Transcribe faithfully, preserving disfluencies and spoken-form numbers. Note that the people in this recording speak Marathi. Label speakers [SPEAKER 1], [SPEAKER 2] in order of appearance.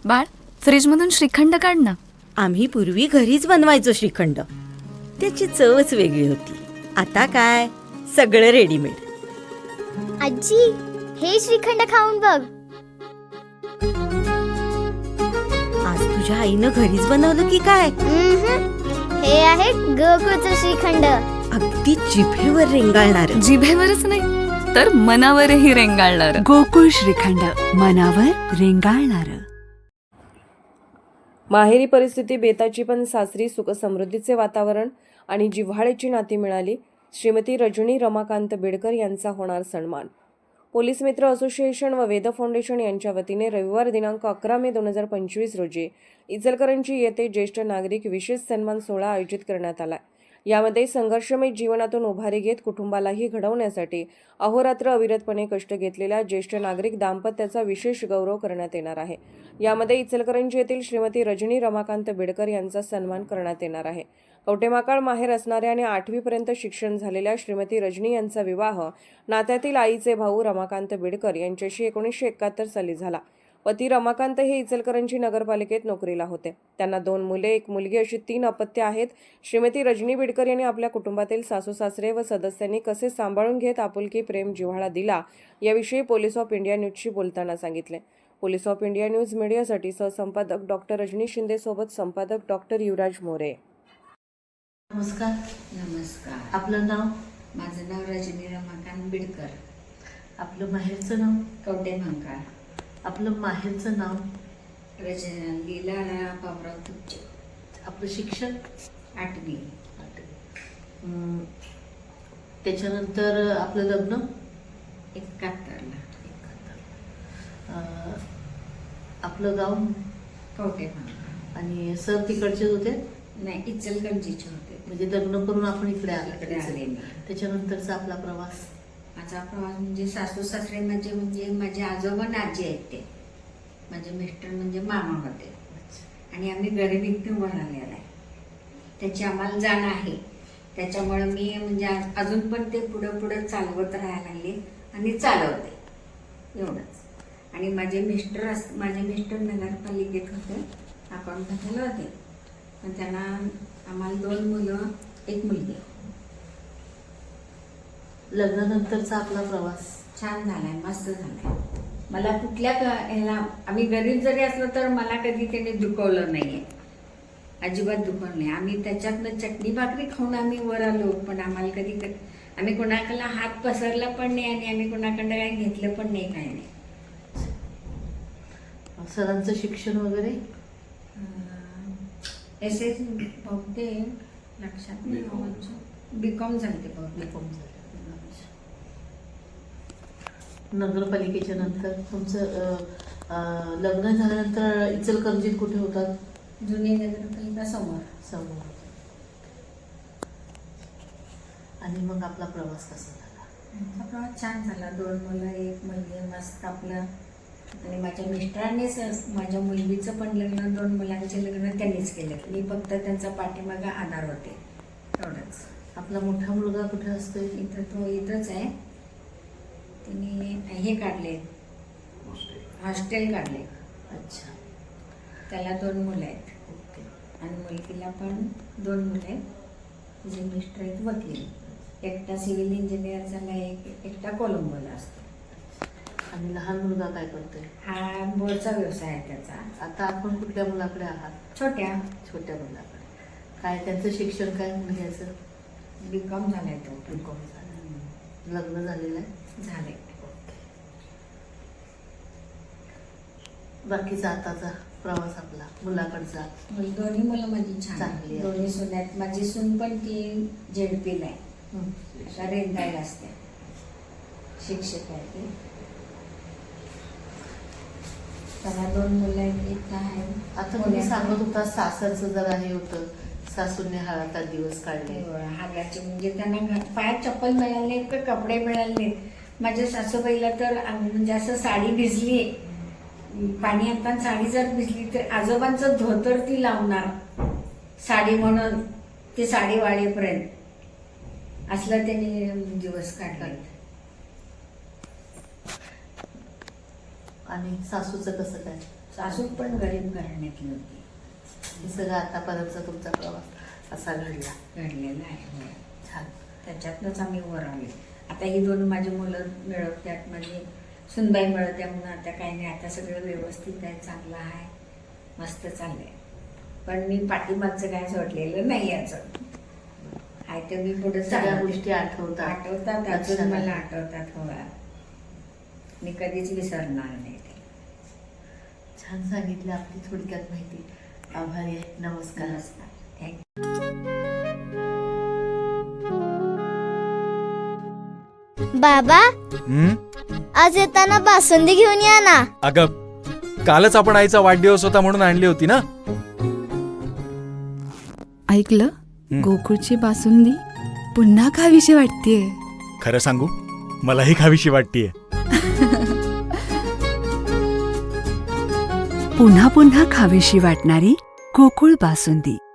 [SPEAKER 1] बाळ, फ्रीजमधून श्रीखंड काढ ना.
[SPEAKER 2] आम्ही पूर्वी घरीच बनवायचो श्रीखंड. त्याची चवच वेगळी होती. आता काय सगळं रेडीमेड.
[SPEAKER 3] आजी, हे श्रीखंड खाऊन बघ.
[SPEAKER 2] आज तुझ्या आईनं घरीच बनवलं की काय?
[SPEAKER 3] उम्हम. हे आहे गोकुळचं श्रीखंड.
[SPEAKER 2] अगदी जिभेवर रेंगाळणार.
[SPEAKER 1] जिभेवरच नाही तर मनावरही रेंगाळणार.
[SPEAKER 4] गोकुळ श्रीखंड, मनावर रेंगाळणार.
[SPEAKER 5] माहेरी परिस्थिती बेताची पण सासरी सुखसमृद्धीचे वातावरण आणि जिव्हाळ्याची नाती मिळाली. श्रीमती रजनी रमाकांत बेडकर यांचा होणार सन्मान. पोलीस मित्र असोसिएशन व वेद फाउंडेशन यांच्या वतीने रविवार दिनांक अकरा मे दोन हजार पंचवीस रोजी इचलकरंजी येथे ज्येष्ठ नागरिक विशेष सन्मान सोहळा आयोजित करण्यात आला. यामध्ये संघर्षमय जीवनातून उभारी घेत कुटुंबालाही घडवण्यासाठी अहोरात्र अविरतपणे कष्ट घेतलेल्या ज्येष्ठ नागरिक दाम्पत्याचा विशेष गौरव करण्यात येणार आहे. यामध्ये इचलकरंजी येथील श्रीमती रजनी रमाकांत बेडकर यांचा सन्मान करण्यात येणार आहे. कवटेमहाकाळ माहेर असणाऱ्या आणि आठवीपर्यंत शिक्षण झालेल्या श्रीमती रजनी यांचा विवाह नात्यातील आईचे भाऊ रमाकांत बेडकर यांच्याशी एकोणीसशे एकाहत्तर साली झाला. पती रमाकांत हे इचलकरंजी नगरपालिकेत नोकरीला होते. त्यांना दोन मुले, एक मुलगी अशी तीन अपत्ये आहेत. श्रीमती रजनी बेडकर यांनी आपल्या कुटुंबातील सासू सासरे व सदस्यांनी कसे सांभाळून घेत आपुलकी, प्रेम, जिव्हाळा दिला याविषयी पोलीस ऑफ इंडिया न्यूजशी बोलताना सांगितले. पोलीस ऑफ इंडिया न्यूज मीडियासाठी सहसंपादक डॉक्टर रजनी शिंदे सोबत संपादक डॉक्टर युवराज मोरे.
[SPEAKER 6] नमस्कार.
[SPEAKER 7] नमस्कार.
[SPEAKER 6] आपलं नाव?
[SPEAKER 7] माझं नाव रजनी रमाकांत बेडकर.
[SPEAKER 6] आपलं माहेरचं नाव?
[SPEAKER 7] कवटेमहाकाळ.
[SPEAKER 6] आपलं माहेरचं नाव?
[SPEAKER 7] रजना लीला पावराव तुपचे.
[SPEAKER 6] आपलं शिक्षण?
[SPEAKER 7] आठवी.
[SPEAKER 6] अं, त्याच्यानंतर आपलं लग्न?
[SPEAKER 7] एकाहत्तरला.
[SPEAKER 6] अं, आपलं गाव?
[SPEAKER 7] कवटेमहाकाळ.
[SPEAKER 6] आणि सर तिकडचेच होते?
[SPEAKER 7] नाही, इचलकरंजीचे होते.
[SPEAKER 6] म्हणजे लग्न करून आपण इकडे
[SPEAKER 7] इकडे आले
[SPEAKER 6] आले.
[SPEAKER 7] मी.
[SPEAKER 6] त्याच्यानंतरचा आपला प्रवास?
[SPEAKER 7] माझा प्रवास म्हणजे सासू सासरे म्हणजे म्हणजे माझे आजोबा आणि आजी आहेत. ते माझे मिस्टर म्हणजे मामा होते आणि आम्ही गरिबीतून उभं राहिलेला आहे. त्याची आम्हाला जाण आहे. त्याच्यामुळे मी म्हणजे अजून पण ते पुढं पुढं चालवत राहायला लागले आणि चालवते एवढंच. आणि माझे मिस्टर अस माझे मिस्टर नगरपालिकेत होते, अकाउंटला होते. पण त्यांना आम्हाला दोन मुलं, एक मुलगी.
[SPEAKER 6] लग्नानंतरचा आपला प्रवास
[SPEAKER 7] छान झालाय, मस्त झालाय. मला कुठल्या ह्याला आम्ही गरीब जरी असलो तर मला कधी त्याने दुखवलं नाहीये, अजिबात दुखवलं नाही. आम्ही त्याच्यातनं चटणी भाकरी खाऊन आम्ही वर आलो, पण आम्हाला कधी आम्ही कोणाकडला हात पसरला पण नाही आणि आम्ही कोणाकडं काही घेतलं पण नाही, काही नाही.
[SPEAKER 6] सरांचं शिक्षण वगैरे?
[SPEAKER 7] एस एस बहुतेक लक्षात नाही. बी कॉम झाले.
[SPEAKER 6] बी कॉम झाले. नगरपालिकेच्या नंतर तुमचं लग्न झाल्यानंतर इचलकरंजीत कुठे होतात?
[SPEAKER 7] जुनी नगरपालिका समोर.
[SPEAKER 6] समोर. आणि मग आपला प्रवास कसा झाला?
[SPEAKER 7] प्रवास छान झाला. दोन मुलं, एक मुलगी, मस्त आपलं. आणि माझ्या मिस्टरांनीच माझ्या मुलगीचं पण लग्न, दोन मुलांचे लग्न त्यांनीच केलं. मी फक्त त्यांचा पाठीमागा आधार होते, एवढंच.
[SPEAKER 6] आपला मोठा मुलगा कुठे असतो?
[SPEAKER 7] इथं तो इथंच आहे. त्यांनी हे काढले, हॉस्टेल काढले.
[SPEAKER 6] अच्छा.
[SPEAKER 7] त्याला दोन मुलं आहेत.
[SPEAKER 6] ओके.
[SPEAKER 7] आणि मुलगीला पण दोन मुलं आहेत. तिचे मिस्टर आहेत वकील. एकटा सिव्हिल इंजिनियर झाला, एक एकटा कोलंबोला असतो.
[SPEAKER 6] आणि लहान मुलगा काय करतोय?
[SPEAKER 7] हा बोरचा व्यवसाय आहे त्याचा.
[SPEAKER 6] आता आपण कुठल्या मुलाकडे आहात?
[SPEAKER 7] छोट्या
[SPEAKER 6] छोट्या मुलाकडे. काय त्यांचं शिक्षण काय मुलग्याचं?
[SPEAKER 7] बी कॉम झालाय तो.
[SPEAKER 6] बी कॉम झालं. लग्न झालेलं आहे?
[SPEAKER 7] झाले.
[SPEAKER 6] बाकीचा आताचा प्रवास आपला मुलाकडचा?
[SPEAKER 7] दोन्ही मुलं माझी छान
[SPEAKER 6] चांगली आहे.
[SPEAKER 7] दोन्ही सून आहेत. माझी सून पण ती झेडपीला आहे, आता रेंदायला असते, शिक्षक आहे ती. त्याला दोन मुलं आहेत, एक आहे.
[SPEAKER 6] आता तुम्ही सांगत होता सासरचं जरा हे होतं, सासूने हातात दिवस काढले.
[SPEAKER 7] हागाचे म्हणजे त्यांना पायात चप्पल मिळाले नाहीत का कपडे मिळाले नाहीत. माझ्या सासूबाईला तर म्हणजे असं साडी भिजली, पाणी आणताना साडी जर भिजली तर आजोबांचं धोतर ती लावणार साडी म्हणून, ती साडी वाळेपर्यंत असला त्यांनी दिवस काढला.
[SPEAKER 6] आणि सासूचं कसं काय?
[SPEAKER 7] सासू पण गरीब घराण्यातली होती.
[SPEAKER 6] हे सगळं आतापर्यंतचा तुमचा प्रवास असा घडला.
[SPEAKER 7] घडलेलं आहे होय.
[SPEAKER 6] छान.
[SPEAKER 7] त्याच्यातनंच आम्ही वर आले. आता ही दोन माझी मुलं मिळवत्यात, माझी सुनबाई मिळवत्या, म्हणून आता काही नाही, आता सगळं व्यवस्थित आहे, चांगलं आहे, मस्त चाललंय. पण मी पाठीमागचं काय सोडलेलं नाही याचं आहे तर मी पुढे
[SPEAKER 6] सगळ्या गोष्टी आठवतात.
[SPEAKER 7] आठवतात,
[SPEAKER 6] लक्षात
[SPEAKER 7] अजून मला
[SPEAKER 6] आहे.
[SPEAKER 7] आठवतात. हो, मी कधीच विसरणार नाही ते.
[SPEAKER 6] छान सांगितलं आपली थोडक्यात माहिती. आभारी आहे. नमस्कार.
[SPEAKER 7] नमस्कार. थँक्यू.
[SPEAKER 3] बाबा
[SPEAKER 8] हं?
[SPEAKER 3] आज येताना बासुंदी घेऊन या ना.
[SPEAKER 8] अगं कालच आपण आईचा वाढदिवस होता म्हणून आणली होती ना.
[SPEAKER 1] ऐकलं
[SPEAKER 8] हं.
[SPEAKER 1] गोकुळची बासुंदी पुन्हा खावीशी वाटतेय.
[SPEAKER 8] खरं सांगू मलाही खावीशी वाटतीये.
[SPEAKER 4] पुन्हा पुन्हा खावीशी वाटणारी गोकुळ बासुंदी.